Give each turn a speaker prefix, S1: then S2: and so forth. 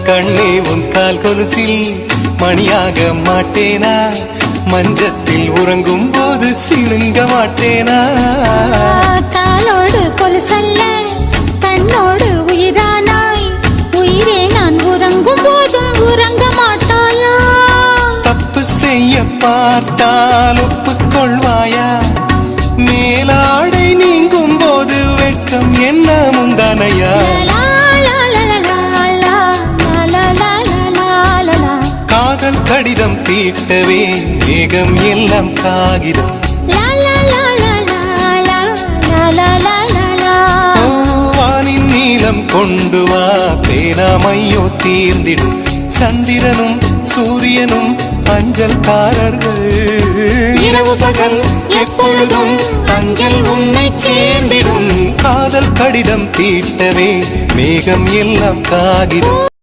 S1: கண்ணே உன் கால் கொலுசில் மணியாக மாட்டேனா மஞ்சத்தில் உறங்கும் போது சிணுங்க மாட்டேனா
S2: காலோடு கொலுசல்ல கண்ணோடு உயிரானாய் உயிரே நான் உறங்கும் போதும் உறங்க மாட்டாயா
S1: தப்பு செய்ய பார்த்தால் ஒப்புக்கொள்வாயா மேலாடை நீங்கும் போது வெட்கம் என்ன முந்தானையா காதல் கடிதம் தீட்டவே மேகம் எல்லாம் காகிதம் வானின் நீளம் கொண்டு வா பேனாமையோ தீர்ந்திடும் சந்திரனும் சூரியனும் அஞ்சல்காரர்கள் இரவு பகல் எப்பொழுதும் அஞ்சல் உன்னை சேர்ந்திடும் காதல் கடிதம் தீட்டவே மேகம் எல்லாம் காகிதம்